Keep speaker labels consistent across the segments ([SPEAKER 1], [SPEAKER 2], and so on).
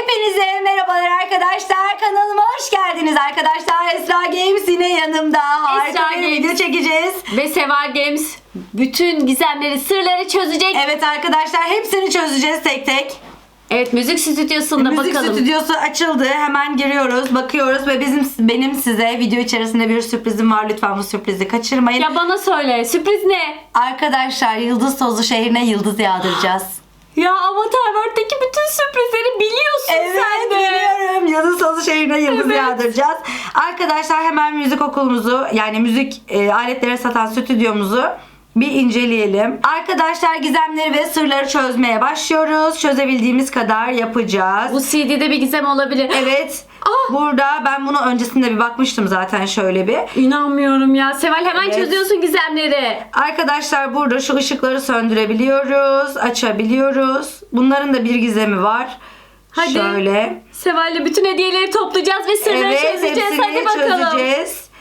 [SPEAKER 1] Hepinize merhabalar arkadaşlar. Kanalıma hoş geldiniz arkadaşlar. Esra Games yine yanımda. Harika bir video çekeceğiz.
[SPEAKER 2] Ve Seval Games bütün gizemleri, sırları çözecek.
[SPEAKER 1] Evet arkadaşlar, hepsini çözeceğiz tek tek.
[SPEAKER 2] Evet, müzik stüdyosunda
[SPEAKER 1] Müzik
[SPEAKER 2] bakalım.
[SPEAKER 1] stüdyosu açıldı. Hemen giriyoruz, bakıyoruz ve benim size video içerisinde bir sürprizim var. Lütfen bu sürprizi kaçırmayın.
[SPEAKER 2] Ya bana söyle, sürpriz ne?
[SPEAKER 1] Arkadaşlar, Yıldız Tozlu şehrine yıldız yağdıracağız.
[SPEAKER 2] Ya Avatar World'deki bütün sürprizleri biliyorsun
[SPEAKER 1] Evet,
[SPEAKER 2] sen de.
[SPEAKER 1] biliyorum. Yıldız Tozlu şehrine yıldız
[SPEAKER 2] Evet.
[SPEAKER 1] yağdıracağız. Arkadaşlar, hemen müzik okulumuzu, yani müzik aletleri satan stüdyomuzu bir inceleyelim. Arkadaşlar, gizemleri ve sırları çözmeye başlıyoruz. Çözebildiğimiz kadar yapacağız.
[SPEAKER 2] Bu CD'de bir gizem olabilir.
[SPEAKER 1] Evet.
[SPEAKER 2] Ah!
[SPEAKER 1] Burada ben bunu öncesinde bir bakmıştım zaten, şöyle bir.
[SPEAKER 2] İnanmıyorum ya. Seval, hemen
[SPEAKER 1] Evet.
[SPEAKER 2] çözüyorsun gizemleri.
[SPEAKER 1] Arkadaşlar, burada şu ışıkları söndürebiliyoruz, açabiliyoruz. Bunların da bir gizemi var.
[SPEAKER 2] Hadi.
[SPEAKER 1] Şöyle.
[SPEAKER 2] Seval'le bütün hediyeleri toplayacağız ve sırları çözeceğiz.
[SPEAKER 1] hepsini
[SPEAKER 2] Hadi bakalım.
[SPEAKER 1] çözeceğiz.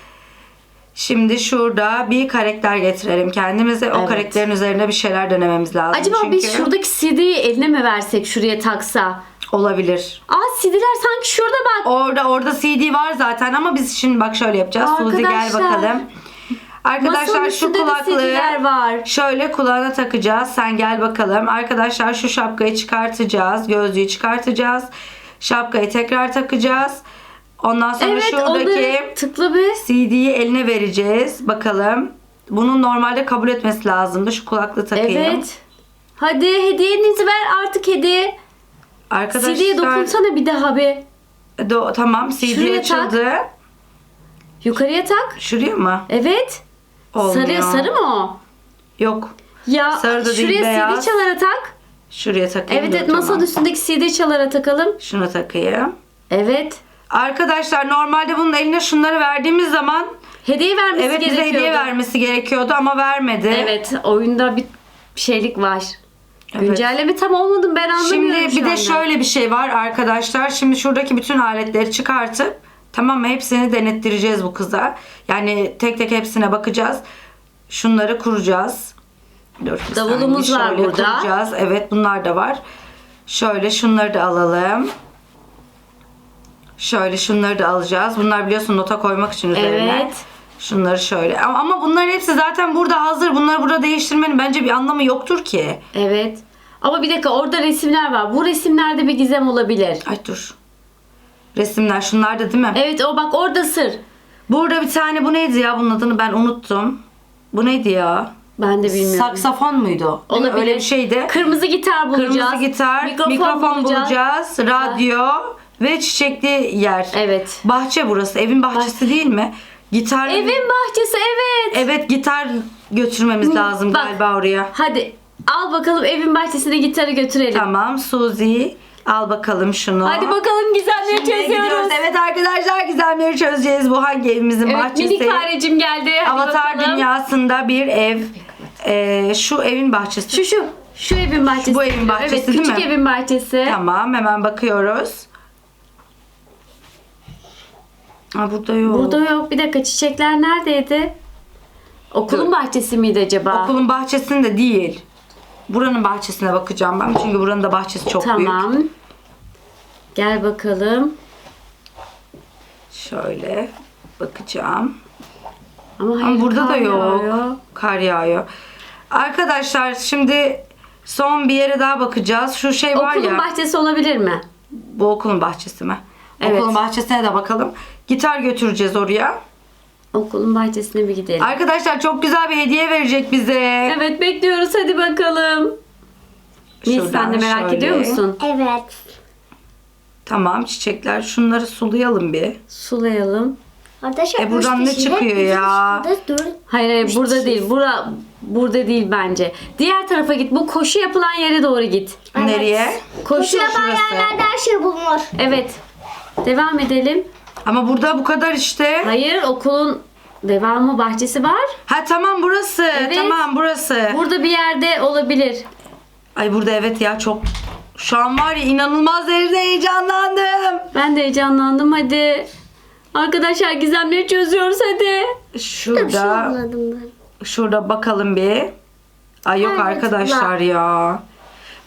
[SPEAKER 1] Şimdi şurada bir karakter getirelim kendimize. O
[SPEAKER 2] Evet.
[SPEAKER 1] karakterin üzerinde bir şeyler denememiz lazım.
[SPEAKER 2] Acaba
[SPEAKER 1] çünkü
[SPEAKER 2] biz şuradaki CD'yi eline mi versek, şuraya taksa?
[SPEAKER 1] olabilir.
[SPEAKER 2] CD'ler sanki şurada bak.
[SPEAKER 1] Orada CD var zaten ama biz şimdi bak şöyle yapacağız. Suzi, gel
[SPEAKER 2] Arkadaşlar.
[SPEAKER 1] bakalım. Arkadaşlar,
[SPEAKER 2] Masanın
[SPEAKER 1] şu
[SPEAKER 2] üstünde de
[SPEAKER 1] kulaklığı
[SPEAKER 2] CD'ler var.
[SPEAKER 1] şöyle kulağına takacağız. Sen gel bakalım. Arkadaşlar, şu şapkayı çıkartacağız. Gözlüğü çıkartacağız. Şapkayı tekrar takacağız. Ondan sonra
[SPEAKER 2] Evet,
[SPEAKER 1] şuradaki
[SPEAKER 2] onları tıkla bir.
[SPEAKER 1] CD'yi eline vereceğiz. Bakalım. Bunun normalde kabul etmesi lazımdı. Şu kulaklığı takayım.
[SPEAKER 2] Evet. Hadi hediyenizi ver artık, hediye.
[SPEAKER 1] Arkadaşlar.
[SPEAKER 2] CD'ye dokunsana bir daha bir.
[SPEAKER 1] Tamam, CD
[SPEAKER 2] Şuraya tak.
[SPEAKER 1] açıldı.
[SPEAKER 2] Yukarıya tak.
[SPEAKER 1] Şuraya mı?
[SPEAKER 2] Evet.
[SPEAKER 1] Olmuyor.
[SPEAKER 2] Sarı mı o?
[SPEAKER 1] Yok.
[SPEAKER 2] Ya
[SPEAKER 1] Sarı da değil,
[SPEAKER 2] şuraya
[SPEAKER 1] beyaz.
[SPEAKER 2] CD çalara tak.
[SPEAKER 1] Şuraya takayım.
[SPEAKER 2] Evet,
[SPEAKER 1] Dur,
[SPEAKER 2] evet, masanın
[SPEAKER 1] tamam.
[SPEAKER 2] üstündeki CD çalara takalım.
[SPEAKER 1] Şunu takayım.
[SPEAKER 2] Evet.
[SPEAKER 1] Arkadaşlar, normalde bunun eline şunları verdiğimiz zaman
[SPEAKER 2] Hediye vermesi
[SPEAKER 1] evet, bize
[SPEAKER 2] gerekiyordu.
[SPEAKER 1] hediye vermesi gerekiyordu ama vermedi.
[SPEAKER 2] Evet, oyunda bir şeylik var.
[SPEAKER 1] Evet.
[SPEAKER 2] Güncelleme tam olmadı, ben anlamıyorum
[SPEAKER 1] Şimdi
[SPEAKER 2] şu
[SPEAKER 1] bir de
[SPEAKER 2] anda.
[SPEAKER 1] şöyle bir şey var arkadaşlar. Şimdi şuradaki bütün aletleri çıkartıp, tamam mı, hepsini denettireceğiz bu kıza. Yani tek tek hepsine bakacağız. Şunları kuracağız. Dur, bir
[SPEAKER 2] Davulumuz
[SPEAKER 1] saniye.
[SPEAKER 2] var
[SPEAKER 1] Şöyle
[SPEAKER 2] burada.
[SPEAKER 1] kuracağız. Evet, bunlar da var. Şöyle şunları da alalım. Şöyle şunları da alacağız. Bunlar biliyorsun nota koymak için üzerine.
[SPEAKER 2] Evet.
[SPEAKER 1] Şunları şöyle. Ama bunların hepsi zaten burada hazır. Bunları burada değiştirmenin bence bir anlamı yoktur ki.
[SPEAKER 2] Evet. Ama bir dakika, orada resimler var. Bu resimlerde bir gizem olabilir.
[SPEAKER 1] Ay dur. Resimler şunlar da değil mi?
[SPEAKER 2] Evet, o bak orada sır.
[SPEAKER 1] Burada bir tane, bu neydi ya, bunun adını ben unuttum. Bu neydi ya?
[SPEAKER 2] Ben de bilmiyorum.
[SPEAKER 1] Saksafon muydu? Değil mi?
[SPEAKER 2] Olabilir.
[SPEAKER 1] Öyle bir şeydi.
[SPEAKER 2] Kırmızı gitar bulacağız.
[SPEAKER 1] Kırmızı gitar, mikrofon bulacağız, radyo ve çiçekli yer.
[SPEAKER 2] Evet.
[SPEAKER 1] Bahçe burası. Evin bahçesi değil mi? Gitar.
[SPEAKER 2] Evin bahçesi, evet.
[SPEAKER 1] Evet, gitar götürmemiz lazım
[SPEAKER 2] bak.
[SPEAKER 1] galiba oraya.
[SPEAKER 2] Hadi al bakalım, evin bahçesine gitarı götürelim.
[SPEAKER 1] Tamam, Suzi, al bakalım şunu.
[SPEAKER 2] Hadi bakalım, gizemleri
[SPEAKER 1] Şimdi
[SPEAKER 2] çözüyoruz.
[SPEAKER 1] gidiyoruz. Evet arkadaşlar, gizemleri çözeceğiz. Bu hangi evimizin
[SPEAKER 2] Evet,
[SPEAKER 1] bahçesi?
[SPEAKER 2] minik farecim geldi. Hadi
[SPEAKER 1] Avatar
[SPEAKER 2] bakalım.
[SPEAKER 1] dünyasında bir ev. Şu evin bahçesi.
[SPEAKER 2] Şu evin bahçesi.
[SPEAKER 1] Bu evin bahçesi
[SPEAKER 2] evet,
[SPEAKER 1] değil
[SPEAKER 2] küçük
[SPEAKER 1] mi?
[SPEAKER 2] evin bahçesi.
[SPEAKER 1] Tamam, hemen bakıyoruz. Burada yok.
[SPEAKER 2] Burada yok. Bir dakika, çiçekler neredeydi? Okulun
[SPEAKER 1] Dur.
[SPEAKER 2] bahçesi miydi acaba?
[SPEAKER 1] Okulun bahçesinde değil. Buranın bahçesine bakacağım ben. Çünkü buranın da bahçesi çok büyük.
[SPEAKER 2] Tamam. Gel bakalım.
[SPEAKER 1] Şöyle bakacağım.
[SPEAKER 2] Ama hayır,
[SPEAKER 1] Ama burada
[SPEAKER 2] kar
[SPEAKER 1] da yok.
[SPEAKER 2] yağıyor.
[SPEAKER 1] Kar yağıyor. Arkadaşlar, şimdi son bir yere daha bakacağız. Şu şey var
[SPEAKER 2] Okulun
[SPEAKER 1] ya.
[SPEAKER 2] bahçesi olabilir mi?
[SPEAKER 1] Bu okulun bahçesi mi?
[SPEAKER 2] Evet.
[SPEAKER 1] Okulun bahçesine de bakalım. Gitar götüreceğiz oraya.
[SPEAKER 2] Okulun bahçesine bir gidelim.
[SPEAKER 1] Arkadaşlar, çok güzel bir hediye verecek bize.
[SPEAKER 2] Evet, bekliyoruz, hadi bakalım. Nils,
[SPEAKER 1] Şuradan
[SPEAKER 2] sen de merak
[SPEAKER 1] şöyle.
[SPEAKER 2] ediyor musun?
[SPEAKER 3] Evet.
[SPEAKER 1] Tamam, çiçekler. Şunları sulayalım bir.
[SPEAKER 2] Sulayalım.
[SPEAKER 3] Arkadaşlar
[SPEAKER 1] buradan ne çıkıyor ya?
[SPEAKER 2] Hayır, burada değil. Burada değil bence. Diğer tarafa git. Bu koşu yapılan yere doğru git.
[SPEAKER 3] Evet.
[SPEAKER 1] Nereye?
[SPEAKER 2] Koşu.
[SPEAKER 3] yapan
[SPEAKER 1] şurası.
[SPEAKER 3] yerlerde her şey bulunur.
[SPEAKER 2] Evet. Devam edelim.
[SPEAKER 1] Ama burada bu kadar işte.
[SPEAKER 2] Hayır, okulun devamı bahçesi var.
[SPEAKER 1] Ha tamam, burası.
[SPEAKER 2] Evet.
[SPEAKER 1] Tamam, burası.
[SPEAKER 2] Burada bir yerde olabilir.
[SPEAKER 1] Ay, burada evet ya, çok. Şu an var ya, inanılmaz derecede heyecanlandım.
[SPEAKER 2] Ben de heyecanlandım, hadi. Arkadaşlar, gizemleri çözüyoruz, hadi.
[SPEAKER 1] Şurada.
[SPEAKER 3] Buladım ben.
[SPEAKER 1] Şurada bakalım bir. Ay yok
[SPEAKER 3] Evet,
[SPEAKER 1] arkadaşlar ya.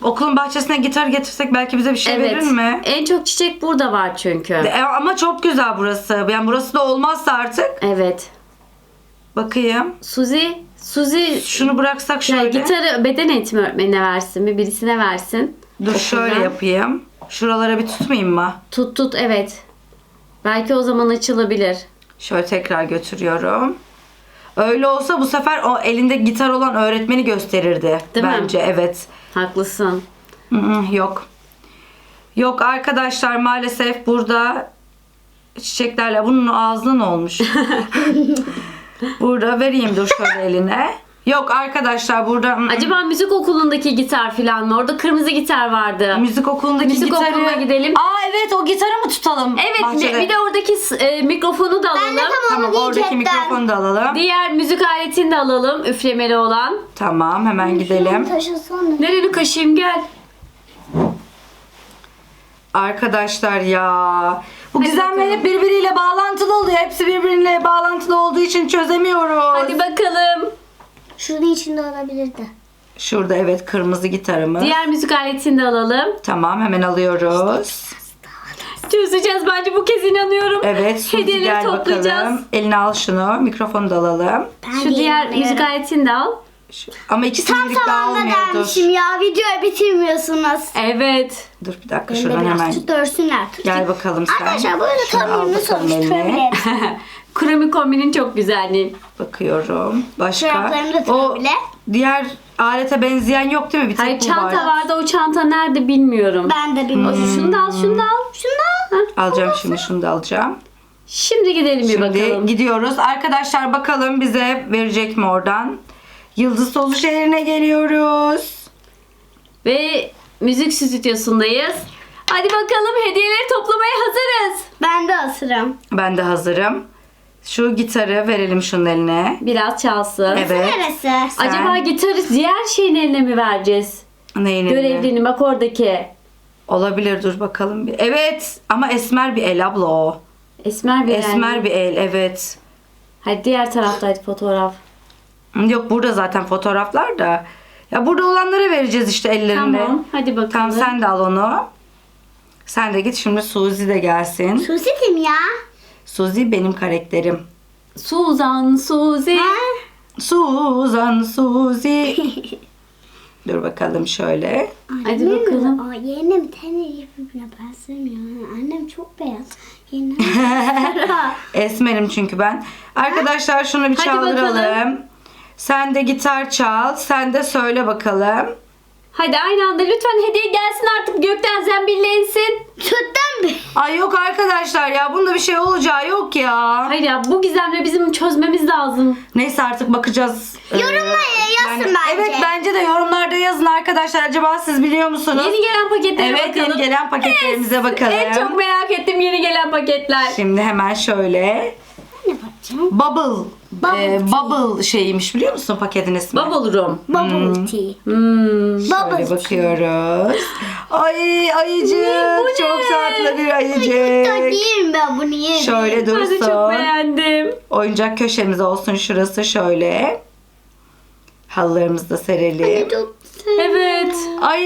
[SPEAKER 1] Okulun bahçesine gitar getirsek belki bize bir şey
[SPEAKER 2] Evet.
[SPEAKER 1] verir mi?
[SPEAKER 2] En çok çiçek burada var çünkü.
[SPEAKER 1] Ama çok güzel burası. Yani burası da olmazsa artık.
[SPEAKER 2] Evet.
[SPEAKER 1] Bakayım.
[SPEAKER 2] Suzi
[SPEAKER 1] Şunu bıraksak
[SPEAKER 2] ya
[SPEAKER 1] şöyle.
[SPEAKER 2] gitarı beden eğitimi öğretmenine versin. Birisine versin.
[SPEAKER 1] Dur şöyle
[SPEAKER 2] Okuldan.
[SPEAKER 1] yapayım. Şuralara bir tutmayayım mı?
[SPEAKER 2] Tut evet. Belki o zaman açılabilir.
[SPEAKER 1] Şöyle tekrar götürüyorum. Öyle olsa bu sefer o elinde gitar olan öğretmeni gösterirdi.
[SPEAKER 2] Değil mi?
[SPEAKER 1] bence evet.
[SPEAKER 2] Haklısın.
[SPEAKER 1] Yok. Yok arkadaşlar maalesef burada çiçeklerle bunun ağzına ne olmuş? Burada vereyim dur şöyle eline. Yok arkadaşlar burada
[SPEAKER 2] Acaba müzik okulundaki gitar falan mı? Orada kırmızı gitar vardı.
[SPEAKER 1] müzik okulundaki
[SPEAKER 2] Müzik
[SPEAKER 1] gitarı.
[SPEAKER 2] okuluna gidelim.
[SPEAKER 1] Aa evet o gitarı mı tutalım?
[SPEAKER 2] Evet
[SPEAKER 1] bahçede?
[SPEAKER 2] bir de oradaki mikrofonu da alalım.
[SPEAKER 3] Ben de
[SPEAKER 1] Tamam
[SPEAKER 3] onu
[SPEAKER 1] oradaki
[SPEAKER 3] diyecektim.
[SPEAKER 1] mikrofonu da alalım.
[SPEAKER 2] Diğer müzik aletini de alalım. Üflemeli olan.
[SPEAKER 1] Tamam hemen gidelim.
[SPEAKER 3] Taşısana.
[SPEAKER 2] Nereni kaşıyım gel.
[SPEAKER 1] Arkadaşlar ya. Bu
[SPEAKER 2] Hadi
[SPEAKER 1] gizemler
[SPEAKER 2] bakalım.
[SPEAKER 1] hep birbiriyle bağlantılı oluyor. Hepsi birbiriyle bağlantılı olduğu için çözemiyoruz.
[SPEAKER 2] Hadi bakalım.
[SPEAKER 3] Şunun içinde olabilirdi.
[SPEAKER 1] Şurada evet kırmızı gitarımız.
[SPEAKER 2] Diğer müzik aletini de alalım.
[SPEAKER 1] Tamam hemen alıyoruz.
[SPEAKER 2] Çözeceğiz bence bu kez inanıyorum.
[SPEAKER 1] Evet Suzi
[SPEAKER 2] Hediyeleri
[SPEAKER 1] gel
[SPEAKER 2] toplayacağız.
[SPEAKER 1] bakalım. Eline al şunu. Mikrofonu da alalım.
[SPEAKER 3] Ben
[SPEAKER 2] Şu
[SPEAKER 3] de
[SPEAKER 2] diğer
[SPEAKER 3] inanıyorum.
[SPEAKER 2] müzik aletini de al.
[SPEAKER 1] Ama ikisini
[SPEAKER 3] Tam
[SPEAKER 1] birlikte
[SPEAKER 3] zamanında
[SPEAKER 1] almıyordur.
[SPEAKER 3] gelmişim ya. Videoyu bitirmiyorsunuz.
[SPEAKER 2] Evet.
[SPEAKER 1] Dur bir dakika
[SPEAKER 3] Benim de
[SPEAKER 1] şuradan
[SPEAKER 3] biraz
[SPEAKER 1] hemen.
[SPEAKER 3] tut görsünler. Tut.
[SPEAKER 1] Gel bakalım sen.
[SPEAKER 3] Arkadaşlar böyle
[SPEAKER 1] Şunu al
[SPEAKER 3] kamyonunu
[SPEAKER 1] bakalım eline.
[SPEAKER 3] sonuçturabiliriz.
[SPEAKER 2] Kromi kombinin çok güzelliği.
[SPEAKER 1] Bakıyorum. Başka.
[SPEAKER 3] Çoraplarını da
[SPEAKER 1] O
[SPEAKER 3] tutabilir.
[SPEAKER 1] diğer alete benzeyen yok değil mi? Bir tek
[SPEAKER 2] Hayır
[SPEAKER 1] bu
[SPEAKER 2] çanta
[SPEAKER 1] var.
[SPEAKER 2] vardı o çanta nerede bilmiyorum.
[SPEAKER 3] Ben de bilmiyorum.
[SPEAKER 2] Şunu da al şunu da al.
[SPEAKER 3] Şunu al.
[SPEAKER 1] Alacağım şimdi şunu da alacağım.
[SPEAKER 2] Şimdi gidelim bir
[SPEAKER 1] Şimdi
[SPEAKER 2] bakalım.
[SPEAKER 1] gidiyoruz. Arkadaşlar bakalım bize verecek mi oradan? Yıldız Tozu şehrine geliyoruz.
[SPEAKER 2] Ve müzik stüdyosundayız. Hadi bakalım hediyeleri toplamaya hazırız.
[SPEAKER 3] Ben de asırım.
[SPEAKER 1] Ben de hazırım. Şu gitarı verelim şunun eline.
[SPEAKER 2] Biraz çalsın.
[SPEAKER 1] Evet.
[SPEAKER 3] Neresi?
[SPEAKER 1] Sen-
[SPEAKER 2] Acaba gitarı diğer şeyin eline mi vereceğiz?
[SPEAKER 1] Neyin eline?
[SPEAKER 2] Görevlinin bak oradaki.
[SPEAKER 1] Olabilir dur bakalım. Evet ama esmer bir el abla o.
[SPEAKER 2] Esmer bir
[SPEAKER 1] Esmer bir el evet.
[SPEAKER 2] Hadi diğer taraftaydı fotoğraf.
[SPEAKER 1] Yok burada zaten fotoğraflar da. Ya burada olanlara vereceğiz işte ellerinde.
[SPEAKER 2] Tamam hadi bakalım.
[SPEAKER 1] Tamam sen de al onu. Sen de git şimdi Suzi de gelsin.
[SPEAKER 3] Susi kim ya?
[SPEAKER 1] Suzi benim karakterim.
[SPEAKER 2] Suzan, Suzi.
[SPEAKER 3] Ha?
[SPEAKER 1] Suzan Suzi. Dur bakalım şöyle.
[SPEAKER 2] Hadi bakalım.
[SPEAKER 3] Aa, yeğenim teni birbirine benzemiyor. Annem çok beyaz. Yeğenim
[SPEAKER 1] Esmerim çünkü ben. Arkadaşlar şunu bir
[SPEAKER 2] Hadi
[SPEAKER 1] çaldıralım.
[SPEAKER 2] bakalım.
[SPEAKER 1] Sen de gitar çal. Sen de söyle bakalım.
[SPEAKER 2] Hadi aynı anda lütfen hediye gelsin artık gökten zembille insin.
[SPEAKER 3] Sütten mi?
[SPEAKER 1] Ay yok arkadaşlar ya. Bunda bir şey olacağı yok ya.
[SPEAKER 2] Hayır ya bu gizemle bizim çözmemiz lazım.
[SPEAKER 1] Neyse artık bakacağız.
[SPEAKER 3] Yorumlara yazsın bence.
[SPEAKER 1] Evet bence de yorumlarda yazın arkadaşlar. Acaba siz biliyor musunuz?
[SPEAKER 2] Yeni gelen paketlere
[SPEAKER 1] Evet
[SPEAKER 2] bakalım.
[SPEAKER 1] yeni gelen paketlerimize bakalım.
[SPEAKER 2] En çok merak ettim yeni gelen paketler.
[SPEAKER 1] Şimdi hemen şöyle.
[SPEAKER 3] Ne bakacağım?
[SPEAKER 1] Bubble. Bubble şeyiymiş biliyor musun paketin ismi?
[SPEAKER 2] Bubble Room.
[SPEAKER 3] Bubble tea.
[SPEAKER 1] Şöyle
[SPEAKER 3] Bubble tea.
[SPEAKER 1] bakıyoruz. Ay ayıcık.
[SPEAKER 2] bu ne?
[SPEAKER 1] Çok tatlı bir
[SPEAKER 3] Da
[SPEAKER 1] ayıcık.
[SPEAKER 3] yerim ben bunu yerim.
[SPEAKER 1] Şöyle
[SPEAKER 2] Ben de çok
[SPEAKER 1] dursun.
[SPEAKER 2] beğendim.
[SPEAKER 1] Oyuncak köşemiz olsun şurası şöyle. Halılarımızı da serelim.
[SPEAKER 3] Çok
[SPEAKER 2] Evet.
[SPEAKER 1] Ay,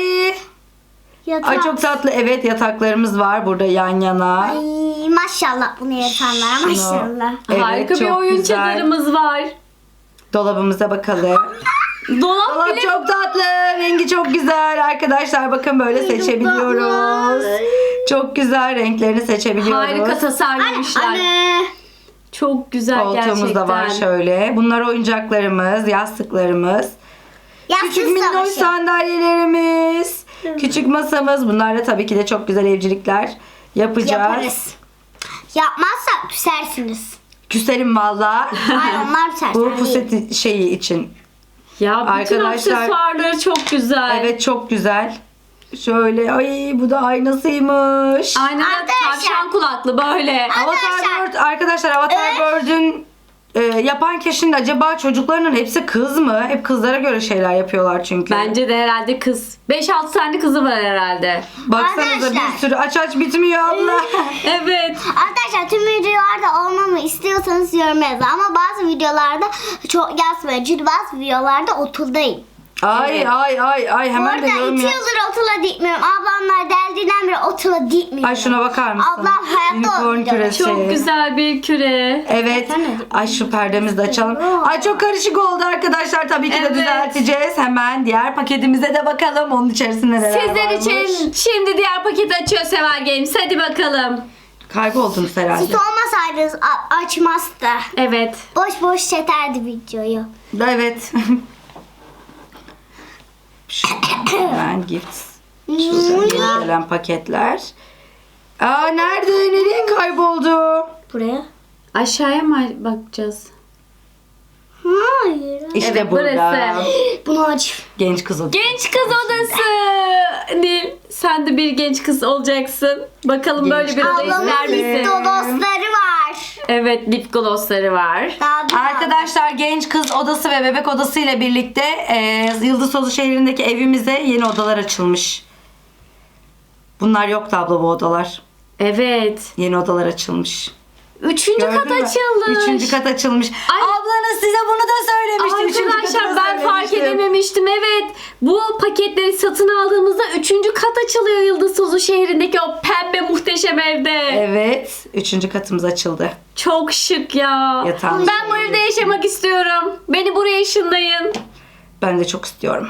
[SPEAKER 3] yatak.
[SPEAKER 1] ay çok tatlı. Evet yataklarımız var burada yan yana.
[SPEAKER 3] Ay maşallah bunu yapanlara
[SPEAKER 1] Şunu-
[SPEAKER 3] maşallah.
[SPEAKER 1] Evet,
[SPEAKER 2] Harika bir
[SPEAKER 1] çok
[SPEAKER 2] oyun
[SPEAKER 1] güzel.
[SPEAKER 2] çadırımız var.
[SPEAKER 1] Dolabımıza bakalım.
[SPEAKER 2] Dolap
[SPEAKER 1] Dolap
[SPEAKER 2] bile
[SPEAKER 1] çok tatlı. Rengi çok güzel. Arkadaşlar bakın böyle seçebiliyoruz.
[SPEAKER 3] tatlı.
[SPEAKER 1] Çok güzel renklerini seçebiliyoruz.
[SPEAKER 2] harika tasarlamışlar.
[SPEAKER 3] Anne.
[SPEAKER 2] Çok güzel
[SPEAKER 1] Koltuğumuz
[SPEAKER 2] gerçekten.
[SPEAKER 1] da var şöyle. Bunlar oyuncaklarımız, yastıklarımız. Küçük
[SPEAKER 3] Yastık
[SPEAKER 1] minnoş
[SPEAKER 3] savaşı.
[SPEAKER 1] sandalyelerimiz. Küçük masamız. Bunlarla tabii ki de çok güzel evcilikler yapacağız.
[SPEAKER 3] Yaparız. Yapmazsak küsersiniz.
[SPEAKER 1] Küserim valla.
[SPEAKER 3] Ay onlar küser.
[SPEAKER 1] Bu
[SPEAKER 3] sen değil.
[SPEAKER 1] puseti şeyi için.
[SPEAKER 2] Ya bütün
[SPEAKER 1] Arkadaşlar-
[SPEAKER 2] aksesuarları çok güzel.
[SPEAKER 1] Evet çok güzel. Şöyle ay bu da aynasıymış.
[SPEAKER 2] Aynen
[SPEAKER 3] Arkadaşlar-
[SPEAKER 2] tavşan kulaklı böyle.
[SPEAKER 1] Avatar Bird arkadaşlar Avatar Bird'ün yapan kişinin acaba çocuklarının hepsi kız mı? Hep kızlara göre şeyler yapıyorlar çünkü.
[SPEAKER 2] Bence de herhalde kız. 5-6 tane kızı var herhalde.
[SPEAKER 1] Baksanıza
[SPEAKER 3] Arkadaşlar-
[SPEAKER 1] bir sürü aç bitmiyor abla.
[SPEAKER 2] Evet.
[SPEAKER 3] Arkadaşlar tüm videolarda olmamı istiyorsanız yorum yazın. Ama bazı videolarda çok yazmayın. Çünkü bazı videolarda okuldayım.
[SPEAKER 1] Ay
[SPEAKER 2] Evet.
[SPEAKER 1] ay hemen de
[SPEAKER 3] Orada
[SPEAKER 1] yorum
[SPEAKER 3] 2
[SPEAKER 1] yap.
[SPEAKER 3] yıldır okula gitmiyorum. Ablamlar deldiğinden beri okula gitmiyorum.
[SPEAKER 1] Ay şuna bakar mısın?
[SPEAKER 3] Ablam hayatta
[SPEAKER 1] Unicorn
[SPEAKER 3] olmayacak.
[SPEAKER 1] küresi.
[SPEAKER 2] Çok güzel bir küre.
[SPEAKER 1] Evet. Ay şu perdemizi de açalım. Ay çok karışık oldu arkadaşlar. Tabii ki de
[SPEAKER 2] Evet.
[SPEAKER 1] düzelteceğiz. Hemen diğer paketimize de bakalım. Onun içerisinde neler
[SPEAKER 2] Sizler
[SPEAKER 1] varmış.
[SPEAKER 2] için şimdi diğer paketi açıyor Seval Games. Hadi bakalım.
[SPEAKER 1] Kayboldunuz herhalde.
[SPEAKER 3] Siz olmasaydınız açmazdı.
[SPEAKER 2] Evet.
[SPEAKER 3] Boş boş çeterdi videoyu.
[SPEAKER 1] Evet. Hemen gifts. Şurada yeni gelen paketler. Aa nerede? Nereye kayboldu?
[SPEAKER 3] Buraya.
[SPEAKER 2] Aşağıya mı bakacağız?
[SPEAKER 3] Hayır.
[SPEAKER 1] İşte
[SPEAKER 2] Evet,
[SPEAKER 1] burada.
[SPEAKER 2] burası.
[SPEAKER 3] Bunu aç.
[SPEAKER 1] Genç kız odası.
[SPEAKER 2] Genç kız odası. Nil, sen de bir genç kız olacaksın. Bakalım
[SPEAKER 1] Genç
[SPEAKER 2] böyle bir
[SPEAKER 1] kız.
[SPEAKER 2] oda ister
[SPEAKER 3] Ablamın
[SPEAKER 2] misin?
[SPEAKER 3] lip dostları var.
[SPEAKER 2] Evet, lip glossları var.
[SPEAKER 3] Daha bir
[SPEAKER 1] Arkadaşlar genç kız odası ve bebek odası ile birlikte Yıldız Tozu şehrindeki evimize yeni odalar açılmış. Bunlar yoktu abla bu odalar.
[SPEAKER 2] Evet.
[SPEAKER 1] Yeni odalar açılmış.
[SPEAKER 2] Üçüncü kat
[SPEAKER 1] Gördün mü?
[SPEAKER 2] açılmış.
[SPEAKER 1] Üçüncü kat açılmış.
[SPEAKER 2] Ay.
[SPEAKER 1] Ablanız size bunu da söylemişti. Üçüncü katı
[SPEAKER 2] Arkadaşlar
[SPEAKER 1] da
[SPEAKER 2] ben fark
[SPEAKER 1] söylemiştim.
[SPEAKER 2] edememiştim. Evet. Bu paketleri satın aldığımızda üçüncü kat açılıyor Yıldız Tozu şehrindeki o pembe muhteşem evde.
[SPEAKER 1] Evet. Üçüncü katımız açıldı.
[SPEAKER 2] Çok şık ya.
[SPEAKER 1] Yatağımız
[SPEAKER 2] Ben bu evde yaşamak istiyorum. Beni buraya ışınlayın.
[SPEAKER 1] Ben de çok istiyorum.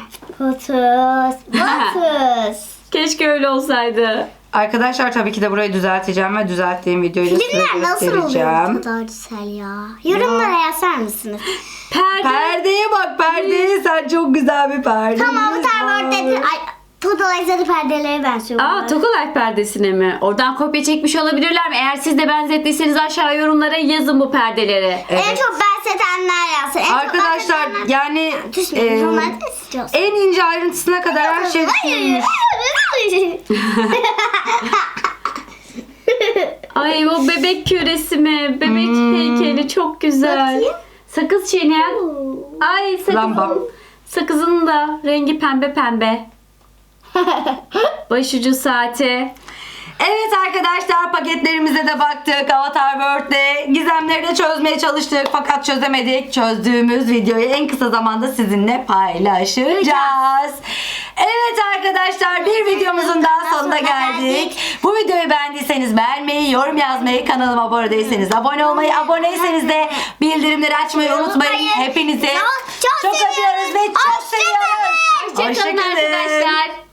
[SPEAKER 3] Batız.
[SPEAKER 2] Keşke öyle olsaydı.
[SPEAKER 1] Arkadaşlar tabii ki de burayı düzelteceğim ve düzelttiğim videoyu da size
[SPEAKER 3] Filmler nasıl oluyor bu
[SPEAKER 1] göstereceğim.
[SPEAKER 3] kadar güzel ya? Yorumlara yazar mısınız?
[SPEAKER 2] Perde.
[SPEAKER 1] Perdeye bak perdeye sen çok güzel bir perde.
[SPEAKER 3] Tamam bu Terword'de Total Exo'da perdelere benziyor.
[SPEAKER 2] Aa, Tokolak perdesine mi? Oradan kopya çekmiş olabilirler mi? Eğer siz de benzettiyseniz aşağı yorumlara yazın bu perdeleri.
[SPEAKER 3] En çok benzetenler yazsın. En
[SPEAKER 1] Arkadaşlar
[SPEAKER 3] çok
[SPEAKER 1] yani
[SPEAKER 3] Düşmeyin. Normalde de istiyorsun.
[SPEAKER 1] en ince ayrıntısına kadar her şey düşünülmüş.
[SPEAKER 2] Ay o bebek küresi mi? Bebek heykeli çok güzel.
[SPEAKER 3] Bakayım.
[SPEAKER 2] Sakız çiğneyen. Ay
[SPEAKER 1] Lamba.
[SPEAKER 2] sakızın da rengi pembe pembe. Başucu saati.
[SPEAKER 1] Evet arkadaşlar paketlerimize de baktık. Avatar World'de gizemleri de çözmeye çalıştık fakat çözemedik. Çözdüğümüz videoyu en kısa zamanda sizinle paylaşacağız. Evet arkadaşlar bir videomuzun daha sonuna geldik. Bu videoyu beğendiyseniz beğenmeyi, yorum yazmayı, kanalıma abone değilseniz abone olmayı, aboneyseniz de bildirimleri açmayı unutmayın. Hepinizi
[SPEAKER 3] Çok
[SPEAKER 1] çok öpüyoruz ve çok
[SPEAKER 3] Hoşça kalın.
[SPEAKER 1] seviyoruz.
[SPEAKER 2] Hoşçakalın arkadaşlar.